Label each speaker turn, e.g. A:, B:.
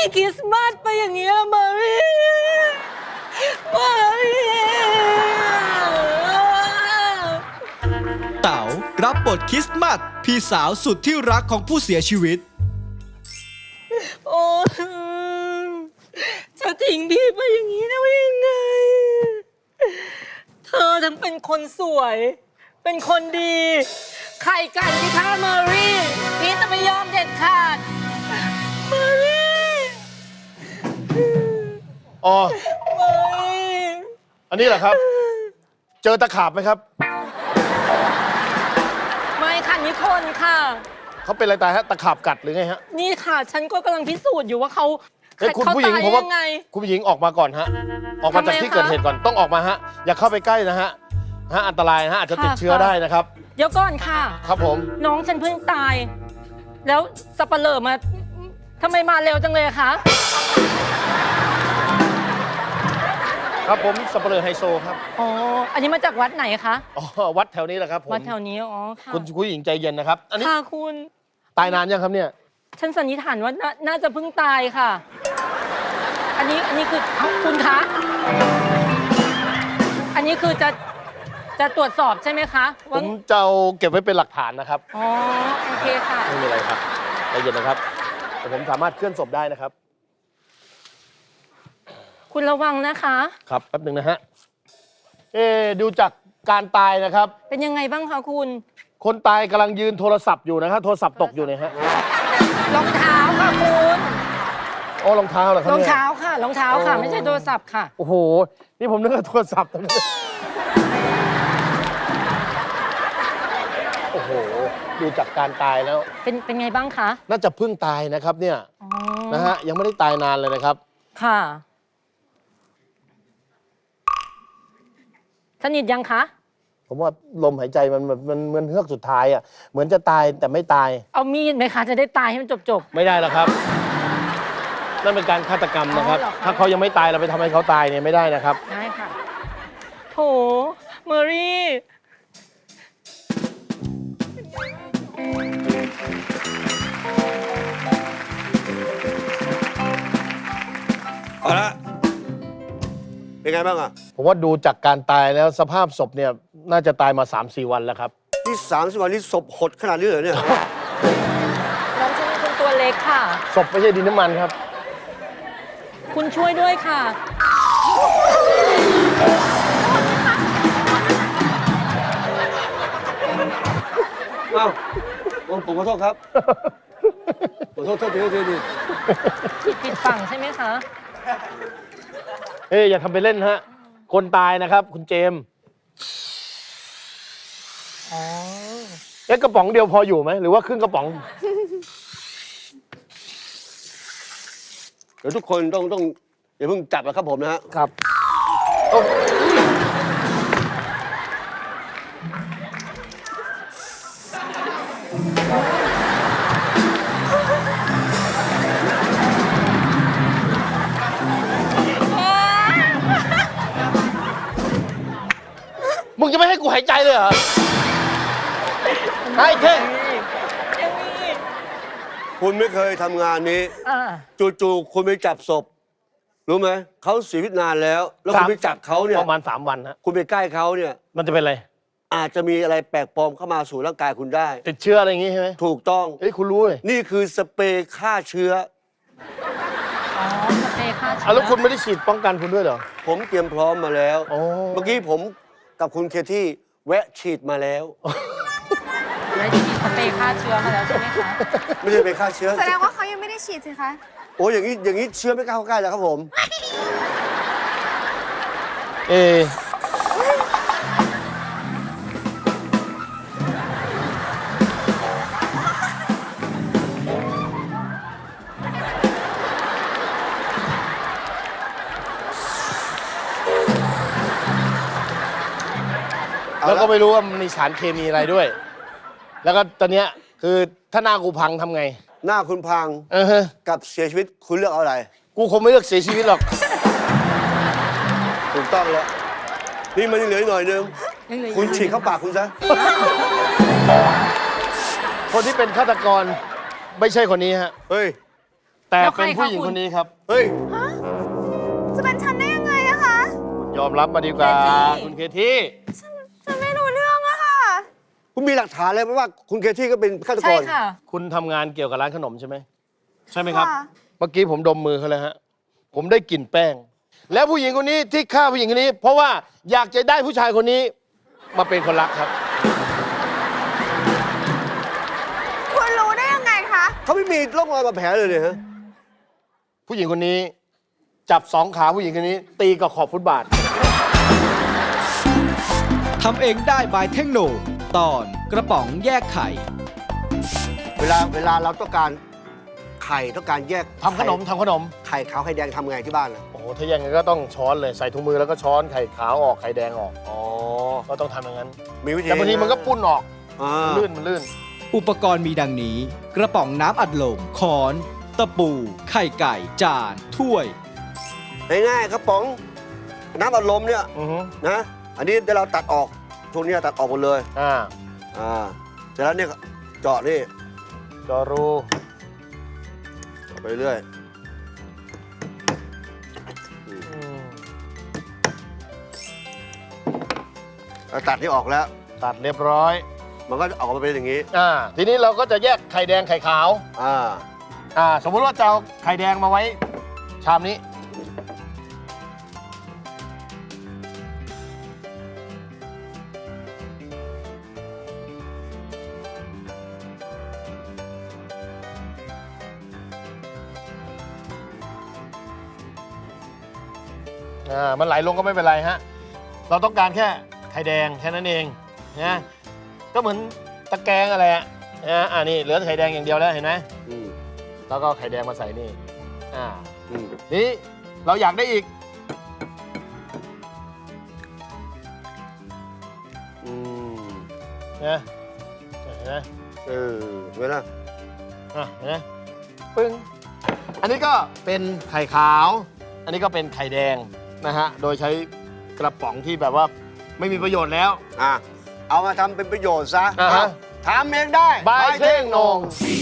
A: คริสต์มาสไปอย่างเงี้ยมารีมารี
B: เต๋ารับบทคริสต์มาสพี่สาวสุดที่รักของผู้เสียชีวิต
A: โอ้จะทิ้งพี่ไปอย่างนี้ได้ยังไง เธอทั้งเป็นคนสวย เป็นคนดี ใครกันที่ฆ่าเมอรี่พี่จะไม่ยอมเด็ดขาดเมอรี่
C: อ๋อ
A: เมอรี่
C: อันนี้แหละครับ เจอตะขาบไหมครับ
A: ไม่ค่ะนี่คนค่ะ
C: เขาเป็นอะไรตายฮะ ตะขาบกัดหรือไงฮะ
A: นี่ค่ะ ฉันก็กำลังพิสูจน์อยู่ว่าเขา
C: เฮ้ยคุณ
A: เขา
C: ผู้หญิง
A: ตาย
C: ผมว่า
A: ยังไง
C: คุณผู้หญิงออกมาก่อนฮะ ออกมาจาก
A: ทำไม
C: ที่เกิด
A: คะ
C: เหตุก่อน ต้องออกมาฮะ อย่าเข้าไปใกล้นะฮะ อันตรายนะฮะ อาจจะติด
A: ค่ะ
C: เชื้อได้นะครับ
A: เดี๋ยวก่อนค่ะ
C: ครับผม
A: น้องฉันเพิ่งตาย แล้วสับปะเลอมาทำไมมาเร็วจังเลยอะคะ
C: ครับผมสับเปลือไฮโซครับ
A: อ๋อ อันนี้มาจากวัดไหนคะ
C: อ๋อ วัดแถวนี้แหละครับผม
A: วัดแถวนี้ อ๋อ ค่ะ
C: คุณผู้หญิงใจเย็นนะครับ อันนี้
A: ค่ะคุณ
C: ตายนานยังครับเนี่ย
A: ฉันสันนิษฐานว่าน่าจะเพิ่งตายค่ะ อันนี้คือเอ้าคุณคะ อันนี้คือจะตรวจสอบใช่ไหมคะ
C: ผ
A: ว่าม
C: จะเอาเก็บไว้เป็นหลักฐานนะครับ
A: อ๋อ โอเคค่ะ
C: ไม่มีอะไรครับใจเย็นนะครับแต่ผมสามารถเคลื่อนศพได้นะครับ
A: คุณระวังนะคะ
C: ครับแป๊บหนึ่งนะฮะ ดูจากการตายนะครับ
A: เป็นยังไงบ้างคะคุณ
C: คนตายกำลังยืนโทรศัพท์อยู่นะครับโทรศัพท์ตกอยู่เนี่ยฮะ
A: รองเท้าค่ะคุณ
C: อ๋อรองเท้าเหรอครับ
A: รอง
C: เนี่ย
A: เท้าค่ะ รองเท้าค่ะ ไม่ใช่โทรศัพท์ค่ะ
C: โอ้โห นี่ผมนึกว่าโทรศัพท์นะโอ้โห ดูจากการตายแล้ว
A: เป็นไงบ้างคะ
C: น่าจะเพิ่งตายนะครับเนี่ย
A: อ๋อ
C: นะฮะ ยังไม่ได้ตายนานเลยนะครับ
A: ค่ะ สนิทยังคะ
C: ผมว่าลมหายใจมันเฮือกสุดท้ายอ่ะ เหมือนจะตายแต่ไม่ตาย
A: เอามีดไหมคะ จะได้ตายให้มันจบ
C: ไม่ได้แล้วครับ นั่นเป็นการฆาตกรรมนะครับ
A: อ๋อเหรอคะ
C: ถ้าเขายังไม่ตายเราไปทำให้เขาตายเนี่ยไม่ได้นะครับ
A: ๆ ได้ค่ะ โถ เมอรี่
D: เอาละเป็นไงบ้างอ่ะ
C: ผมว่าดูจากการตายแล้วสภาพศพเนี่ยน่าจะตายมา 3-4 วันแล้วครับ
D: ที่30 วันนี้ศพหดขนาดนี้เหรอเนี่ย
A: น้องฉันเป็นตัวเล็กค่ะ
C: ศพไม่ใช่ดินน้ำมันครับ
A: คุณช่วยด้วยค่ะ
D: อ้าวผมขอโทษครับ ขอโทษที
A: ผิดฝั่งใช่ไหมคะ
C: อย่าทำไปเล่นฮะ คนตายนะครับ คุณเจมส์
A: อ๋อ
C: กระป๋องเดียวพออยู่ไหมหรือว่าครึ่งกระป๋อง
D: เดี๋ยวทุกคนต้องอย่าเพิ่งจับนะครับผมนะฮะ
C: ครับมึงจะไม่ให้กูหายใจเลยเหรอไอ้เท่ง
D: คุณไม่เคยทำงานนี้
A: อ่า
D: จู่ๆคุณไปจับศพ รู้ไหม เขาเสียชีวิตนานแล้ว แล้วคุณไปจับเขาเนี่ย
C: ประมาณ3 วันฮะ
D: คุณไปใกล้เขาเนี่ย
C: มันจะเป็นอะไร
D: อาจจะมีอะไรแปลกปลอมเข้ามาสู่ร่างกายคุณได้
C: ติดเชื้ออะไรอย่างงี้ใช่ไหม
D: ถูกต้อง
C: เฮ้ยคุณรู้เลย
D: นี่คือสเปรย์ฆ่าเชื้อ
A: อ๋อ สเปรย์ฆ่าเชื้
C: แล้วคุณไม่ได้ฉีดป้องกันคุณด้วยเหรอ
D: ผมเตรียมพร้อมมาแล้ว
C: โอ้
D: เมื่อกี้ผมกับคุณเคที่แวะฉีดมาแล้ว
A: ได้ฉีดสเปรย์ฆ่าเชื้อมาแล้วใช่ไหมคะ
D: ไม่ใช่ไปฆ่าเชื้อ
E: แสดงว่าเขายังไม่ได้ฉีดสิคะ
D: โอ้อย่างนี้เชื้อไม่กล้าเข้าใกล้แล้วครับผม
C: แล้วก็ไม่รู้ว่ามันมีสารเคมีอะไรด้วย แล้วก็ตอนเนี้ยคือถ้าหน้ากูพังทำไง
D: หน้าคุณพัง
C: ฮะ
D: กับเสียชีวิตคุณเลือกเอาอะไร
C: กูคงไม่เลือกเสียชีวิตหรอก
D: ถูกต้องแล้ว นี่มันยังเหลืออีกหน่อยนึง
A: ยังเหลืออีก
D: คุณฉีดเข้าปากคุณซะ
C: คนที่เป็นฆาตกรไม่ใช่คนนี้ฮะ
D: เฮ้ย
C: แต่
A: แล้วใคร
C: เป็นผู้หญิง
A: คะคุ
C: ค
A: ณ
C: นนี้ครับ
D: เฮ้ย
E: จะเป็นฉันได้ยังไงอะคะ
C: ยอมรับมาดีกว่า
A: เคที่
C: คุณเคที่
E: ฉันไม่รู้เรื่องอะค่ะ
D: คุณมีหลักฐานเลยไหมว่าคุณเคที่ก็เป็นฆาตก
A: ใช่
D: ร
A: ค่ะ
C: คุณทำงานเกี่ยวกับร้านขนมใช่ไหมใช่ไหมครับ
E: ค่ะ
C: เมื่อกี้ผมดมมือเขาเลยฮะ ผมได้กลิ่นแป้ง แล้วผู้หญิงคนนี้ที่ฆ่าผู้หญิงคนนี้ เพราะว่าอยากจะได้ผู้ชายคนนี้มาเป็นคนรักครับ
E: คุณรู้ได้ยังไงคะ
D: เขาไม่มีร่องรอยบาดแผลเลยเนี่ยฮะ
C: ผู้หญิงคนนี้จับสองขาผู้หญิงคนนี้ ตีกับขอบฟุตบาท
B: ทำเองได้บายเทคโนตอนกระป๋องแยกไข่
D: เวลาเราต้องการไข่ต้องการแยก
C: ทำขนมทำขนม
D: ไข่ขาวไข่แดงทำไงที่บ้านนะ
C: โอ้โห ถ้าอย่างนั้นก็ต้องช้อนเลย ใส่ถุงมือแล้วก็ช้อนไข่ขาวออกไข่แดงออก
D: อ๋อ
C: ก็ต้องทำอย่างนั้น
D: มีวิธี
C: แต่บางทีมันก็ปุ้นออก
D: อ่า
C: มันลื่นมันลื่น
B: อุปกรณ์มีดังนี้ กระป๋องน้ำอัดลมค้อน ตะปู ไข่ไก่ จาน ถ้วย
D: ง่ายๆครับป๋องน้ำอัดลมเนี่ย
C: อือฮึ
D: นะ อันนี้เดี๋ยวเราตัดออกช่วงนี้ตัดออกหมดเลย
C: อ่า
D: เสร็จแล้วเนี่ยเจาะนี่
C: จอรู
D: ไปเรื่อย
C: อืม
D: เราตัดที่ออกแล้ว
C: ตัดเรียบร้อย
D: มันก็ออกมาเป็นอย่างนี้
C: ทีนี้เราก็จะแยกไข่แดงไข่ขาว สมมุติว่าจะเอาไข่แดงมาไว้ ชามนี้ มันไหลลงก็ไม่เป็นไรฮะ เราต้องการแค่ไข่แดงแค่นั้นเองนะก็เหมือนตะแกรงอะไรอะนะนี่เหลือไข่แดงอย่างเดียวแล้วเห็นไหม
D: อืม
C: แล้วก็ไข่แดงมาใส่นี่
D: อืม
C: นี่เราอยากได้อีก
D: อืม
C: นะเห็นไหม
D: เห็นไหมล่ะ
C: เห็นไหมปึ้ง อันนี้ก็เป็นไข่ขาว อันนี้ก็เป็นไข่แดงนะฮะ โดยใช้กระป๋องที่แบบว่าไม่มีประโยชน์แล้ว
D: เอามาทำเป็นประโยชน์ซะ
C: อ่าฮะ
D: ทำเองได้
C: บายเท่งโหน่ง